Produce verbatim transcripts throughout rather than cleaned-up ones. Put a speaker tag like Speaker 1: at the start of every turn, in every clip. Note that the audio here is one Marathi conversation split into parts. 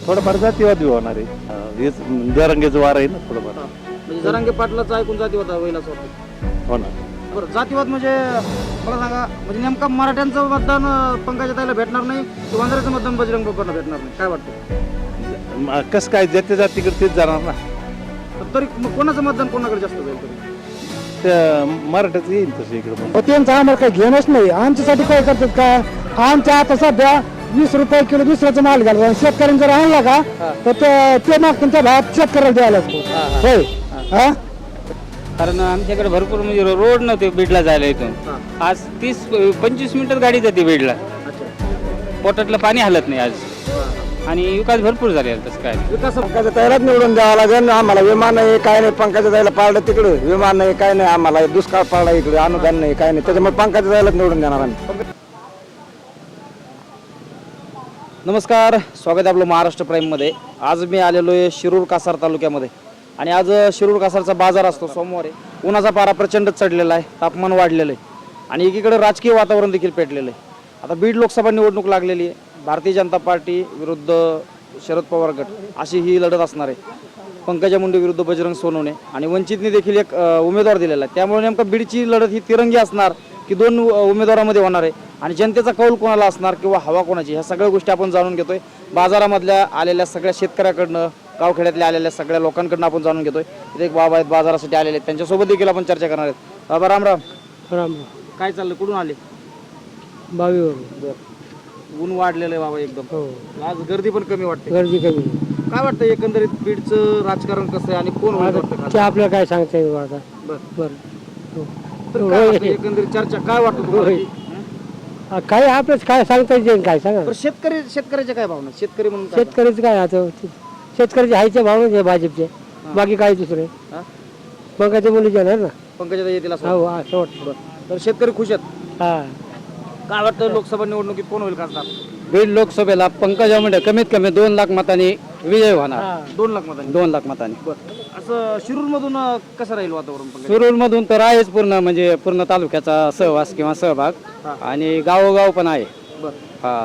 Speaker 1: थोडंफार जातीवाद होणार आहे. हेच जरांगेचं वार आहे ना थोडंफार.
Speaker 2: म्हणजे जरांगे पाटलाचं ऐकून जातीवाद होईल असं वाटतं.
Speaker 1: हो ना.
Speaker 2: बरं, जातीवाद म्हणजे मला सांगा, म्हणजे नेमका मराठ्यांचं मतदान अं, पंकजाताईला भेटणार नाही की वंजाऱ्याचं मतदान बजरंग बाप्पांना भेटणार नाही, काय वाटतं?
Speaker 1: म- कसं काय जाती जातीकडे तेच जाणार ना.
Speaker 2: तर तरी मग कोणाचं मतदान कोणाकडे जास्त जाईल तरी?
Speaker 1: त्या मराठ्याचं येईल तसं इकडं मग.
Speaker 3: त्यांचं आम्हाला काही घेणंच नाही. आमच्यासाठी काय करतात का, आमच्या आता सध्या वीस रुपये किलो दुसऱ्याचा माल घालतो. शेतकऱ्यांनी जर आणला का तर ते- ते माग त्यांच्या भावात शेतकऱ्याला द्यायला लागतो. होय हा.
Speaker 4: कारण आमच्याकडे भरपूर म्हणजे रो- रोड नव्हते बीडला जायला इथून.
Speaker 2: हां.
Speaker 4: आज तीस पंचवीस मिनिटात गाडी जाते बीडला.
Speaker 2: अच्छा.
Speaker 4: पोटातलं पाणी हलत नाही आज. आणि विकास भरपूर झाले तसं काय नाही.
Speaker 2: विकास
Speaker 3: पंकजा ताईलाच निवडून द्यावं लागेल. आम्हाला विमान नाही काय नाही. पंकजा ताईला पाळलं तिकडे विमान नाही काय नाही. आम्हाला दुष्काळ पाळला इकडे अनुदान नाही काय नाही. त्याच्यामुळे पंकजा ताईलाच निवडून देणार आम्ही.
Speaker 2: नमस्कार, स्वागत आहे आपलं महाराष्ट्र प्राईममध्ये. आज मी आलेलो आहे शिरूर कासार तालुक्यामध्ये आणि आज शिरूर कासारचा बाजार असतो सोमवारी. उन्हाचा पारा प्रचंड चढलेला आहे, तापमान वाढलेलं आहे आणि एकीकडे राजकीय वातावरण देखील पेटलेलं आहे. आता बीड लोकसभा निवडणूक लागलेली आहे. भारतीय जनता पार्टी विरुद्ध शरद पवार गट अशी ही लढत असणार आहे. पंकजा मुंडे विरुद्ध बजरंग सोनवणे आणि वंचितने देखील एक अ, उमेदवार दिलेला आहे. त्यामुळे नेमकं बीडची लढत ही तिरंगी असणार की दोन अ, उमेदवारांमध्ये होणार आहे आणि जनतेचा कौल कोणाला असणार किंवा हवा कोणाची, ह्या सगळ्या गोष्टी आपण जाणून घेतोय. बाजारामधल्या आलेल्या सगळ्या शेतकऱ्याकडनं, गावखेड्यातल्या आलेल्या सगळ्या लोकांकडनं आपण जाणून घेतोय. इथे एक बाबा आहेत बाजारासाठी आलेले आहेत, त्यांच्यासोबत देखील आपण चर्चा करणार आहेत. बाबा राम राम.
Speaker 3: राम
Speaker 2: काय चाललं, कुठून आले?
Speaker 3: बावीवर
Speaker 2: बरं, ऊन वाढलेलं आहे बाबा एकदम.
Speaker 3: हो,
Speaker 2: आज गर्दी पण कमी वाटते.
Speaker 3: गर्दी कमी.
Speaker 2: काय वाटतं एकंदरीत बीडचं राजकारण कसं आहे आणि कोण होईल वाटतं
Speaker 3: ते
Speaker 2: खासदार?
Speaker 3: आपल्याला काय सांगता येईल आता.
Speaker 2: बरं.
Speaker 3: बरं
Speaker 2: तर काय वाटतं एकंदरीत चर्चा काय वाटतं तुम्हाला?
Speaker 3: होय. हा, काय आपल्याच काय सांगता येईल काय सांगा.
Speaker 2: बरं, शेतकरी शेतकऱ्याच्या काय भावना, शेतकरी म्हणून काय?
Speaker 3: शेतकरीच काय आता शेतकऱ्याचे हायचे भाव म्हणजे भाजपचे, बाकी काय दुसरे
Speaker 2: हा?
Speaker 3: पंकजा मुली येणार ना.
Speaker 2: पंकजाताई येतील असं
Speaker 3: हो
Speaker 2: वाटतं?
Speaker 3: असं वाटतं.
Speaker 2: बरं. तर शेतकरी खुश आहेत.
Speaker 3: हा,
Speaker 2: काय वाटतं लोकसभा निवडणुकीत कोण होईल खासदार?
Speaker 4: बीड लोकसभेला पंकजा मुंडे कमीत कमी दोन लाख मतांनी विजय होणार.
Speaker 3: हा.
Speaker 2: दोन लाख मतांनी.
Speaker 4: दोन लाख मतांनी.
Speaker 2: बरं. असं शिरूर मधून कसं राहील वातावरण पंकजा?
Speaker 4: शिरूर मधून तर आहेच पूर्ण म्हणजे पूर्ण तालुक्याचा सहवास किंवा सहभाग
Speaker 2: हा.
Speaker 4: आणि गावोगाव पण आहे.
Speaker 2: बरं.
Speaker 4: हा,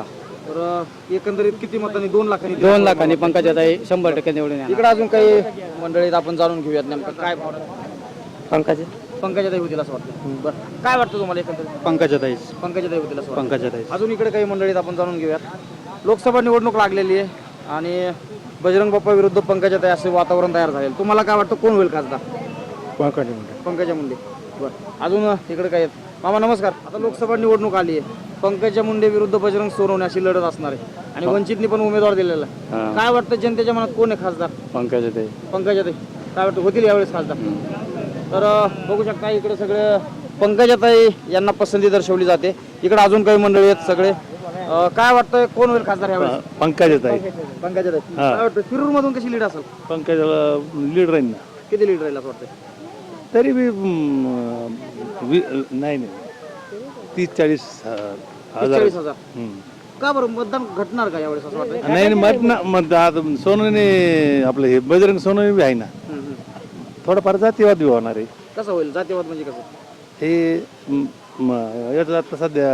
Speaker 2: तर एकंदरीत किती मतांनी? दोन लाखांनी.
Speaker 4: दोन लाखांनी पंकजाताई शंभर टक्के निवडून येणार.
Speaker 2: इकडे अजून काही मंडळीत आपण जाणून घेऊयात नेमकं काय भावना.
Speaker 3: पंकजा
Speaker 2: पंकजाताई होतील असं वाटतं. बरं, काय वाटतं तुम्हाला एकंदरीत?
Speaker 4: पंकजाताई
Speaker 2: पंकजाताई होतील असं वाटतं.
Speaker 4: पंकजाताई
Speaker 2: अजून इकडे काही मंडळीत आपण जाणून घेऊयात. लोकसभा निवडणूक लागलेली आहे आणि बजरंग बाप्पा विरुद्ध पंकजाताई असे वातावरण तयार झाले. तुम्हाला काय वाटतं कोण होईल खासदार?
Speaker 3: पंकजा मुंडे.
Speaker 2: पंकजा मुंडे. बरं, अजून इकडे काय आहेत? मामा नमस्कार. आता लोकसभा निवडणूक आली आहे. पंकजा मुंडे विरुद्ध बजरंग सोनवणे अशी लढत असणार आहे आणि वंचितने पण उमेदवार दिलेला आहे. काय वाटतं जनतेच्या मनात कोण आहे खासदार?
Speaker 4: पंकजाताई.
Speaker 2: पंकजाताई. काय वाटतं होतील यावेळेस खासदार? तर अ, बघू शकता इकडे सगळं पंकजाताई यांना पसंती दर्शवली जाते. इकडे अजून काही मंडळी आहेत सगळे. अ, काय वाटतं कोण होईल खासदार यावेळेस?
Speaker 1: पंकजाताई.
Speaker 2: पंकजाताई. काय वाटतं शिरूर मधून कशी लीड असेल?
Speaker 1: पंकजाला लीड राहील ना.
Speaker 2: किती लीड राहील असं वाटतं?
Speaker 1: तरी बी म, वी- नाही नाही तीस चाळीस हजार.
Speaker 2: चाळीस हजार.
Speaker 1: हम्म.
Speaker 2: का बरं मतदान घटणार का यावेळेस असं वाटतं?
Speaker 1: नाही नाही, मत ना मत आता सोनवणे आपलं हे बजरंग सोनवणे बी आहे ना.
Speaker 2: हम्म, हम्म.
Speaker 1: थोडंफार जातीवाद बी होणार आहे.
Speaker 2: कसं होईल जातीवाद म्हणजे कसं?
Speaker 1: हे म, म, याचं आता सध्या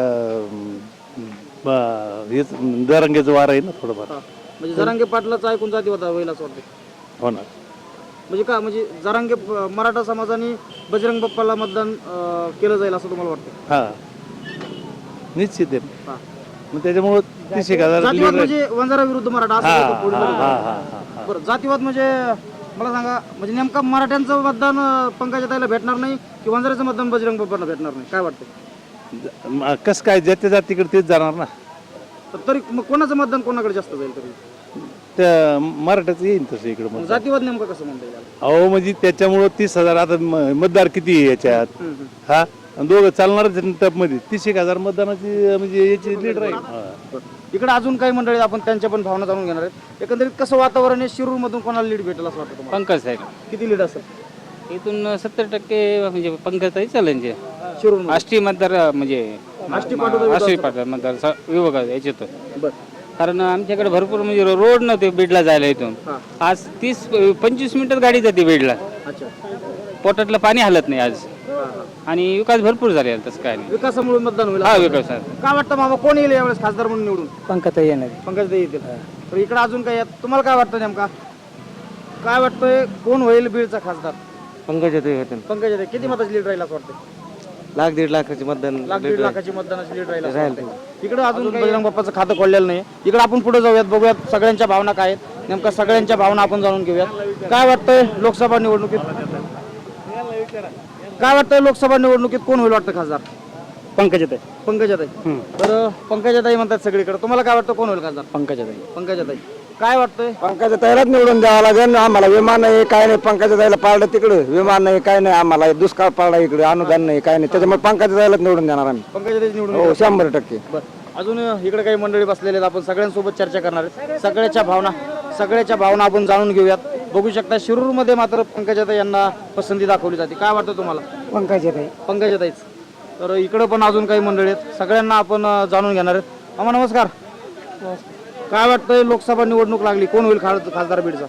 Speaker 1: म, ब- हेच जरांगेचं वार आहे ना थोडंफार.
Speaker 2: हा. म्हणजे जरांगे पाटलाचं ऐकून जातीवाद होईल असं वाटतं.
Speaker 1: होणार.
Speaker 2: म्हणजे का म्हणजे जरांगे मराठा समाजाने बजरंग बाप्पाला मतदान अं, केलं जाईल असं तुम्हाला वाटतं?
Speaker 1: हा, निश्चित आहे.
Speaker 2: हा.
Speaker 1: मग त्याच्यामुळं तीस एक हजार
Speaker 2: जातीवाद
Speaker 1: lead राहील.
Speaker 2: म्हणजे वंजारा विरुद्ध मराठा असं
Speaker 1: हा,
Speaker 2: होतं पुढे
Speaker 1: हा,
Speaker 2: लढत.
Speaker 1: हा, हा, हा, हा.
Speaker 2: बरं, जातीवाद म्हणजे मला सांगा, म्हणजे नेमका मराठ्यांचं मतदान अं, पंकजाताईला भेटणार नाही की वंजाराचं मतदान बजरंग बाप्पाला भेटणार नाही, काय वाटतं?
Speaker 1: म, कसं काय जाती जातीकडे तेच जाणार ना.
Speaker 2: तर तरी मग कोणाचं मतदान कोणाकडे जास्त जाईल तरी?
Speaker 1: त्या मराठ्याचं येईल तसं इकडं
Speaker 2: मग
Speaker 1: मग.
Speaker 2: जातीवाद नेमकं कसं म्हणता येईल?
Speaker 1: अहो म्हणजे त्याच्यामुळं तीस हजार आता म- मतदार किती आहे याच्यात.
Speaker 2: हम्म, हम्म.
Speaker 1: हा, आणि दोघं चालणारच टपमध्ये तीस एक हजार मतदानाची म्हणजे याची लीड राहील. हा.
Speaker 2: इकडे अजून काही मंडळी आपण त्यांच्या पण भावना जाणून घेणार आहेत. एकंदरीत कसं वातावरण आहे शिरूर मधून कोणाला लीड भेटेल असं वाटतं तुम्हाला?
Speaker 4: पंकज साहेब
Speaker 2: किती लीड असेल
Speaker 4: इथून सत्तर टक्के म्हणजे पंकजाताई चालेल जे
Speaker 2: शिरूर?
Speaker 4: आष्टी मतदार म्हणजे
Speaker 2: आष्टी पाटोदा
Speaker 4: आष्टी पाटोदा मतदार स- विभाग याच्यात.
Speaker 2: बरं.
Speaker 4: कारण आमच्याकडे भरपूर म्हणजे रो- रोड नव्हते बीडला जायला इथून.
Speaker 2: हा.
Speaker 4: आज तीस पंचवीस मिनिटात गाडी जाते बीडला.
Speaker 2: अच्छा.
Speaker 4: पोटातलं पाणी हलत नाही आज.
Speaker 2: हा, हा.
Speaker 4: आणि विकास भरपूर झाले तसं काय नाही.
Speaker 2: विकासामुळे मतदान होईल.
Speaker 4: हा विकास आहे.
Speaker 2: काय वाटतं मामा कोण येईल यावेळेस खासदार म्हणून निवडून?
Speaker 3: पंकजा येणार.
Speaker 2: पंकजाताई येतील. तर इकडे अजून काय आहेत? तुम्हाला काय वाटतं नेमका काय वाटतंय कोण होईल बीडचा खासदार?
Speaker 4: पंकजाताई
Speaker 2: पंकजाताई. किती मताची लीड राहील असं वाटतं?
Speaker 4: लाख दीड लाखाचे मतदान
Speaker 2: लाख दीड लाखाची मतदानाची लीड राहील असं वाटतंय. इकडे अजून बजरंग बाप्पाचं खातं खोललेलं नाही. इकडे आपण पुढे जाऊयात, बघूयात सगळ्यांच्या भावना काय आहेत, नेमका सगळ्यांच्या भावना आपण जाणून घेऊयात. काय वाटतंय लोकसभा निवडणुकीत काय वाटतंय लोकसभा निवडणुकीत कोण होईल वाटतं खासदार?
Speaker 4: पंकजाताई
Speaker 2: पंकजाताई. तर पंकजाताई म्हणतात सगळीकडे. तुम्हाला काय वाटतं कोण होईल खासदार?
Speaker 4: पंकजाताई
Speaker 2: पंकजाताई. काय वाटतंय?
Speaker 3: पंकजाताईलाच निवडून द्यावं लागेल. आम्हाला विमान नाही, काय नाही. पंकजाताईला पाळलं तिकडं, विमान नाही, काय नाही. आम्हाला दुष्काळ पडला इकडे, अनुदान नाही, काय नाही. त्याच्यामुळे पंकजाताईलाच निवडून देणार आम्ही.
Speaker 2: पंकजाताई निवडून
Speaker 3: हो, शंभर टक्के.
Speaker 2: बरं. अजून इकडे काही मंडळी बसलेले आहेत, आपण सगळ्यांसोबत चर्चा करणार आहेत. सगळ्याच्या भावना सगळ्याच्या भावना आपण जाणून घेऊयात. बघू शकता शिरूरमध्ये मात्र पंकजाताई यांना पसंती दाखवली जाते. काय वाटतं तुम्हाला?
Speaker 3: पंकजाताई.
Speaker 2: पंकजाताईच. तर इकडं पण अजून काही मंडळी आहेत, सगळ्यांना आपण अं, जाणून घेणार आहेत. मामा नमस्कार. काय वाटतंय लोकसभा निवडणूक लागली, कोण होईल खास- खासदार बीडचा?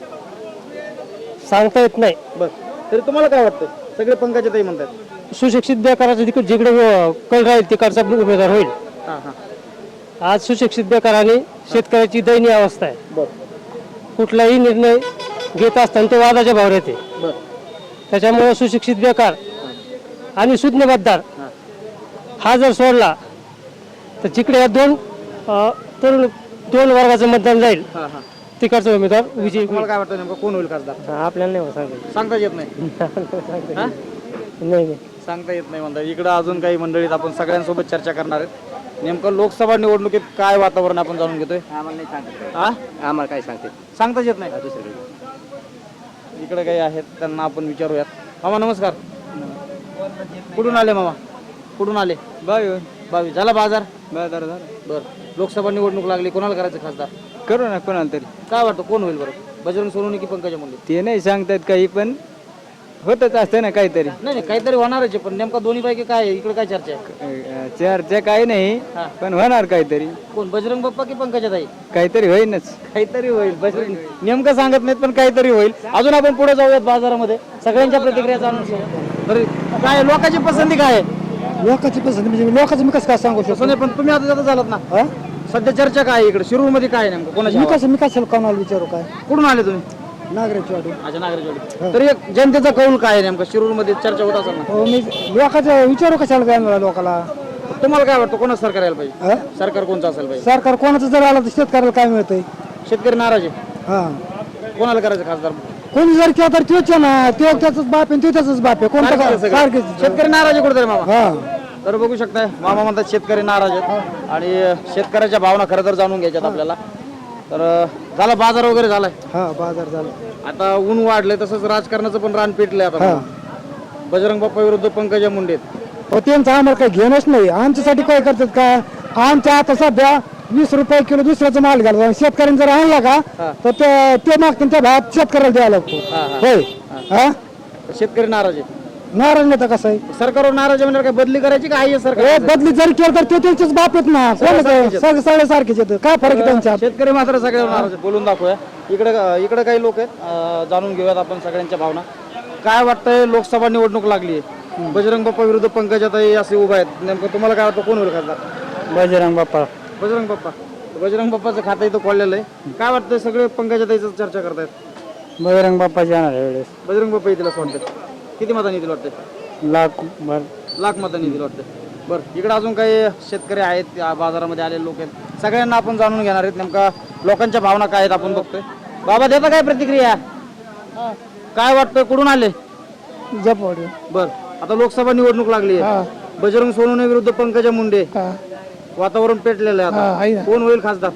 Speaker 4: सांगता येत नाही.
Speaker 2: बरं. तरी तुम्हाला काय वाटतं? सगळे पंकजाताई म्हणतात.
Speaker 4: सुशिक्षित बेकाराचं जिकडे जिकडे कल राहील तिकडचा उमेदवार होईल.
Speaker 2: हां हां.
Speaker 4: आज सुशिक्षित बेकाराने शेतकऱ्याची दयनीय अवस्था आहे.
Speaker 2: बरं
Speaker 4: कुठलाही निर्णय घेत असताना तो वादाच्या भावर येते.
Speaker 2: बरं.
Speaker 4: त्याच्यामुळे सुशिक्षित बेकार आणि सुज्ञ मतदार हा जर सोडला तर जिकडे या दोन अ, तरुण दोन वर्गाचं मतदान जाईल
Speaker 2: हां हां.
Speaker 4: तिकडचा उमेदवार विजयी
Speaker 2: तुम्हाला काय वाटतं नेमकं कोण होईल खासदार?
Speaker 4: आपल्याला नाही सांगायचं.
Speaker 2: सांगता येत नाही. हां?
Speaker 4: नाही नाही
Speaker 2: सांगता येत नाही म्हणतात. इकडं अजून काही मंडळीत आपण सगळ्यांसोबत चर्चा करणार आहेत. नेमकं लोकसभा निवडणुकीत काय वातावरण आपण जाणून घेतोय.
Speaker 4: आम्हाला नाही सांगत.
Speaker 2: हा
Speaker 4: आम्हाला काय सांगते
Speaker 2: सांगताच येत नाही. इकडे काही आहेत त्यांना आपण विचारूयात. मामा नमस्कार. कुठून आले मामा? कुठून आले?
Speaker 4: बावी
Speaker 2: बावीस. झाला बाजार?
Speaker 4: बाजार झाला.
Speaker 2: बर. लोकसभा निवडणूक लागली, कोणाला करायचं खासदार?
Speaker 4: करू ना कोणाला तरी.
Speaker 2: काय वाटतं कोण होईल बरं? बजरंग सोनवणे की पंकजा मुंडे?
Speaker 4: ते नाही सांगतात काही, पण होतच असतं ना काहीतरी.
Speaker 2: नाही नाही काहीतरी होणारच आहे, पण नेमका दोन्ही पैकी काय आहे? इकडे काय चर्चा आहे?
Speaker 4: चर्चा काही नाही,
Speaker 2: हा.
Speaker 4: पण होणार काहीतरी.
Speaker 2: कोण बजरंग बाप्पा की पंकजाताई?
Speaker 4: काहीतरी होईनच.
Speaker 2: काहीतरी होईल. बजरंग नेमकं सांगत नाहीत, पण काहीतरी होईल. अजून आपण पुढे जाऊयात बाजारामध्ये, सगळ्यांच्या प्रतिक्रिया जाणून घेऊ. तरी काय लोकांची पसंती काय आहे?
Speaker 3: लोकांची पसंती म्हणजे लोकांचं मी कसं काय सांगू शकतो?
Speaker 2: तसं नाही, पण तुम्ही आता जाता झालात ना.
Speaker 3: हा?
Speaker 2: सध्या चर्चा काय आहे इकडे शिरूर मध्ये? काय आहे नेमकं कोणाची
Speaker 3: मी
Speaker 2: हवा?
Speaker 3: कसं मी कसं कोणाला विचारू काय?
Speaker 2: कुठून आले तुम्ही?
Speaker 3: नागरिकची वाटू.
Speaker 2: अच्छा नागरिकवाडी. तरी एक जनतेचा कौल काय आहे नेमका शिरूर मध्ये चर्चा होत असेल ना?
Speaker 3: हो, मी लोकांचं विचारू कशाला जाणार लोकांना?
Speaker 2: तुम्हाला काय वाटतं कोणाचं सरकार यायला पाहिजे?
Speaker 3: हा?
Speaker 2: सरकार कोणचं असेल पाहिजे?
Speaker 3: सरकार कोणाचं जर आलं तर शेतकऱ्याला काय मिळतंय?
Speaker 2: शेतकरी नाराज आहे.
Speaker 3: हा,
Speaker 2: कोणाला करायचं खासदार?
Speaker 3: कोणी जर केलं तर तोच आहे ना. तो त्याचाच बाप आहे, तो त्याचाच बाप आहे. कोणतं
Speaker 2: सारखेच आहे
Speaker 3: काय?
Speaker 2: सगळे.
Speaker 3: सारखेच.
Speaker 2: शेतकरी नाराज आहे कुठेतरी मामा.
Speaker 3: हा.
Speaker 2: तर बघू शकताय मामा म्हणतात शेतकरी नाराज आहेत आणि शेतकऱ्याच्या भावना खरं तर जाणून घ्यायच्यात आपल्याला. तर झाला बाजार वगैरे झालाय,
Speaker 3: हा, बाजार झाला.
Speaker 2: आता ऊन वाढलंय, तसंच राजकारणाचं पण रान पेटलंय आता.
Speaker 3: हा.
Speaker 2: बजरंग बाप्पा विरुद्ध पंकजा मुंडे.
Speaker 3: हो, त्यांचं आम्हाला काही घेणंच नाही. आमच्यासाठी काय करतात का? आमच्या आता सध्या वीस रुपये किलो दुसऱ्याचा माल घालतो. शेतकऱ्यांनी जर आणला का तर ते ते मागतील त्या भावात शेतकऱ्याला द्यायला लागतो.
Speaker 2: हा, हा.
Speaker 3: होय. हा,
Speaker 2: शेतकरी नाराज आहे.
Speaker 3: नाराज नाही तर कसं आहे?
Speaker 2: सरकारवर नाराज आहे म्हणजे काय बदली करायची का आहे
Speaker 3: हे
Speaker 2: सरकार?
Speaker 3: बदली जरी केलं तर ते त्यांचेच बाप आहेत ना. कोण
Speaker 2: सारखेच
Speaker 3: सगळे सगळे सारखेच आहेत. काय फरक आहे त्यांच्यात?
Speaker 2: शेतकरी मात्र सगळ्यावर नाराज आहेत. बोलून दाखवूया. इकडे इकडे काही लोक आहेत, अं, जाणून घेऊयात आपण सगळ्यांच्या भावना. काय वाटतंय लोकसभा निवडणूक लागली आहे, बजरंग बाप्पा विरुद्ध पंकजाताई असे उभा आहेत, नेमकं तुम्हाला काय वाटतं कोण होईल खासदार?
Speaker 4: बजरंग बाप्पा.
Speaker 2: बजरंग बाप्पा. बजरंग बाप्पाचं खातं इथं खोललेलं आहे. काय वाटतंय सगळे पंकजाताईचं चर्चा करतायत?
Speaker 4: बजरंग बाप्पा येणार वेळेस.
Speaker 2: बजरंग बाप्पा येतील असं वाटतं. किती मतांनी येतील वाटतं?
Speaker 4: लाख भर.
Speaker 2: लाख मतांनी येतील वाटतं. बरं. इकडे अजून काही शेतकरी आहेत, या बाजारामध्ये आलेले लोक आहेत, सगळ्यांना आपण जाणून घेणार आहेत नेमका लोकांच्या भावना काय आहेत आपण बघतोय. बाबा देता काय प्रतिक्रिया? काय वाटतंय कुठून आले?
Speaker 3: जपवाडी.
Speaker 2: बर. आता लोकसभा निवडणूक लागली आहे, बजरंग सोनवणे विरुद्ध पंकजा मुंडे. वातावरण पेटलेलं आहे आता. कोण होईल खासदार?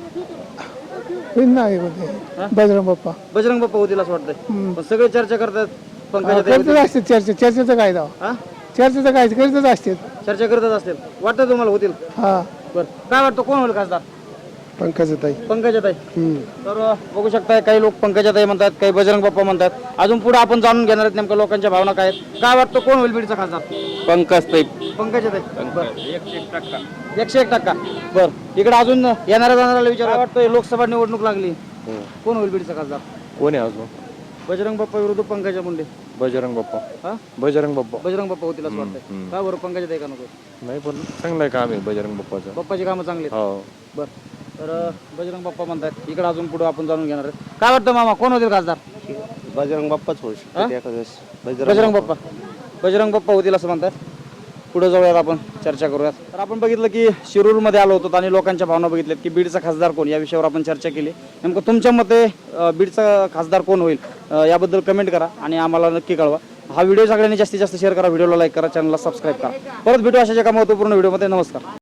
Speaker 3: बजरंग बाप्पा.
Speaker 2: बजरंग बाप्पा होतील असं वाटतंय. पण सगळे चर्चा करतात पंकजा.
Speaker 3: असते चर्चा. चर्चेचं काय दाव?
Speaker 2: हा?
Speaker 3: चर्चेचं काय करीतच असते.
Speaker 2: चर्चा करतच असतील. वाटतं तुम्हाला होतील?
Speaker 3: हा.
Speaker 2: बर. काय वाटतं कोण होईल खासदार?
Speaker 3: पंकजाताई.
Speaker 2: पंकजाताई. तर अ, बघू शकताय काही लोक पंकजाताई म्हणतात, काही बजरंग बाप्पा म्हणतात. अजून पुढे आपण जाणून घेणार आहेत नेमक्या लोकांच्या भावना काय आहेत. काय वाटतं कोण होईल बीडचा खासदार?
Speaker 4: पंकजताई.
Speaker 2: पंकजाताई. एकशे एक टक्का. एकशे एक टक्का. बर. इकडे अजून येणाऱ्या जाणाऱ्याला विचार काय वाटतं लोकसभा निवडणूक लागली, कोण होईल बीडचा खासदार?
Speaker 5: कोण आहे अजून?
Speaker 2: बजरंग बाप्पा विरुद्ध पंकजा मुंडे.
Speaker 5: बजरंग बाप्पा.
Speaker 2: हा?
Speaker 5: बजरंग बाप्पा.
Speaker 2: बजरंग बाप्पा होतील असं वाटतंय. काय बरं पंकजाताई का नको?
Speaker 5: नाही पण चांगलं आहे काम आहे बजरंग बाप्पाचं.
Speaker 2: बाप्पाची कामं चांगली आहेत.
Speaker 5: हो.
Speaker 2: बर. तर अ, बजरंग बाप्पा म्हणतात इकडे अजून पुढे आपण जाणून घेणार आहे. काय वाटतं मामा कोण होतील खासदार?
Speaker 1: बजरंग बाप्पाच होऊ
Speaker 2: हा?
Speaker 1: शकतो एखाद्या वेळेस.
Speaker 2: बजरंग बाप्पा बजरंग बाप्पा होतील असं म्हणतात. पुढे जाऊयात आपण चर्चा करूयात. तर आपण बघितलं की शिरूरमध्ये आलो होतो आणि लोकांच्या भावना बघितल्यात की बीडचा खासदार कोण या विषयावर आपण चर्चा केली. नेमकं तुमच्या मते अ, बीडचा खासदार कोण होईल अ, याबद्दल कमेंट करा आणि आम्हाला नक्की कळवा. हा व्हिडिओ सगळ्यांनी जास्तीत जास्त शेअर करा, व्हिडिओला लाईक करा, चॅनलला सबस्क्राईब करा. परत भेटू अशाच एका महत्त्वपूर्ण व्हिडिओमध्ये. नमस्कार.